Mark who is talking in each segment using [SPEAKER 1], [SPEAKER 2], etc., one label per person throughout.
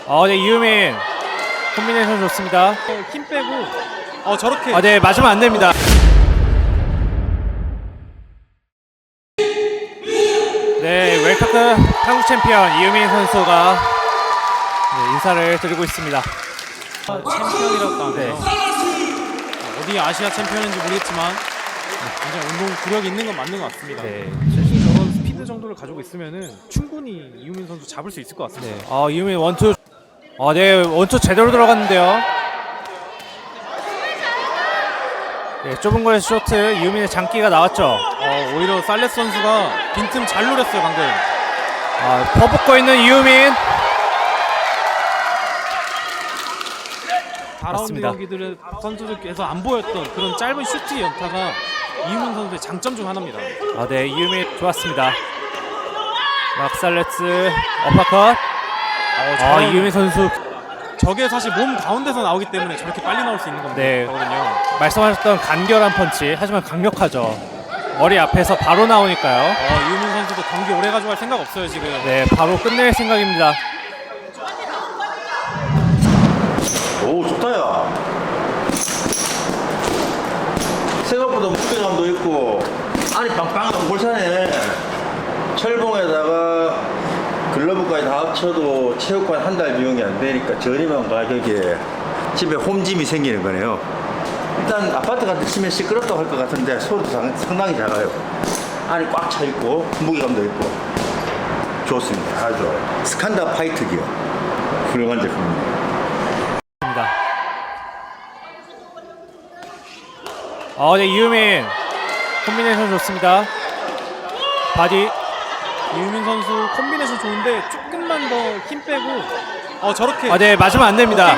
[SPEAKER 1] 네, 이유민 콤비네이션 좋습니다.
[SPEAKER 2] 힘 빼고 저렇게
[SPEAKER 1] 네, 맞으면 안 됩니다. 네, 웰카크 한국 챔피언 이유민 선수가 인사를 드리고 있습니다.
[SPEAKER 2] 챔피언이라고 하네요.
[SPEAKER 1] 네.
[SPEAKER 2] 어디 아시아 챔피언인지 모르겠지만 굉장히 운동 구력이 있는 건 맞는 것 같습니다.
[SPEAKER 1] 네.
[SPEAKER 2] 저런 스피드 정도를 가지고 있으면은 충분히 이유민 선수 잡을 수 있을 것 같습니다.
[SPEAKER 1] 네. 이유민 원투. 네, 원투 제대로 들어갔는데요. 네, 좁은 거에서 쇼트 이유민의 장기가 나왔죠.
[SPEAKER 2] 오히려 살레스 선수가 빈틈 잘 노렸어요 방금.
[SPEAKER 1] 퍼붓고 있는 이유민.
[SPEAKER 2] 4라운드
[SPEAKER 1] 맞습니다.
[SPEAKER 2] 경기들의 선수들께서 안 보였던 그런 짧은 슈트 연타가 이유민 선수의 장점 중 하나입니다.
[SPEAKER 1] 네, 이유민 좋았습니다. 막살레츠 어퍼컷. 이유민 선수.
[SPEAKER 2] 저게 사실 몸 가운데서 나오기 때문에 저렇게 빨리 나올 수 있는
[SPEAKER 1] 네.
[SPEAKER 2] 거거든요.
[SPEAKER 1] 말씀하셨던 간결한 펀치, 하지만 강력하죠. 머리 앞에서 바로 나오니까요.
[SPEAKER 2] 이유민 선수도 경기 오래 가져갈 생각 없어요 지금.
[SPEAKER 1] 네, 바로 끝낼 생각입니다.
[SPEAKER 3] 오, 좋다, 야. 생각보다 무게감도 있고, 안이 빵빵하고 볼산해. 철봉에다가 글러브까지 다 합쳐도 체육관 한 달 비용이 안 되니까 저렴한 가격에 집에 홈짐이 생기는 거네요. 일단 아파트 같은 치면 시끄럽다고 할 것 같은데 소리도 상당히 작아요. 안이 꽉 차 있고 무게감도 있고 좋습니다. 아주 좋아요. 스칸다 파이트 기어 훌륭한 제품입니다.
[SPEAKER 1] 네, 이유민 콤비네이션 좋습니다. 바디.
[SPEAKER 2] 이유민 선수 콤비네이션 좋은데 조금만 더 힘 빼고 저렇게
[SPEAKER 1] 네, 맞으면 안 됩니다.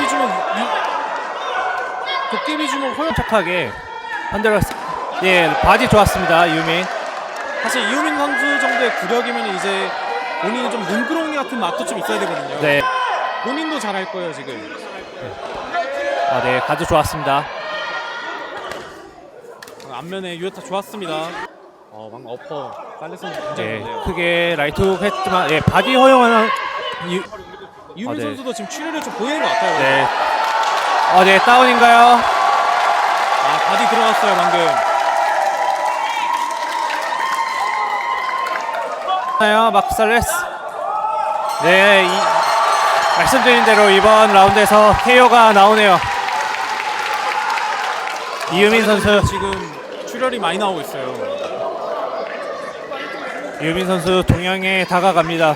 [SPEAKER 2] 도깨비 주먹 허용.
[SPEAKER 1] 착하게 반대로. 예, 바디 좋았습니다. 이유민.
[SPEAKER 2] 사실 이유민 선수 정도의 구력이면 이제 본인이 좀 눈구렁이 같은 맛도 좀 있어야 되거든요.
[SPEAKER 1] 네.
[SPEAKER 2] 본인도 잘할 거예요 지금.
[SPEAKER 1] 네, 가드 좋았습니다.
[SPEAKER 2] 앞면에 유효타 좋았습니다. 방금 어퍼 살레스 선수 굉장히
[SPEAKER 1] 네,
[SPEAKER 2] 좋네요.
[SPEAKER 1] 크게 라이트 훅 했지만 바디 허용하는
[SPEAKER 2] 이유민
[SPEAKER 1] 네.
[SPEAKER 2] 선수도 지금 출혈을 좀 보이는 것 같아요.
[SPEAKER 1] 네. 네, 다운인가요?
[SPEAKER 2] 바디 들어갔어요 방금.
[SPEAKER 1] 막살레스. 네, 말씀드린 대로 이번 라운드에서 KO가 나오네요. 이유민 선수.
[SPEAKER 2] 지금 출혈이 많이 나오고 있어요.
[SPEAKER 1] 이유민 선수 동양에 다가갑니다.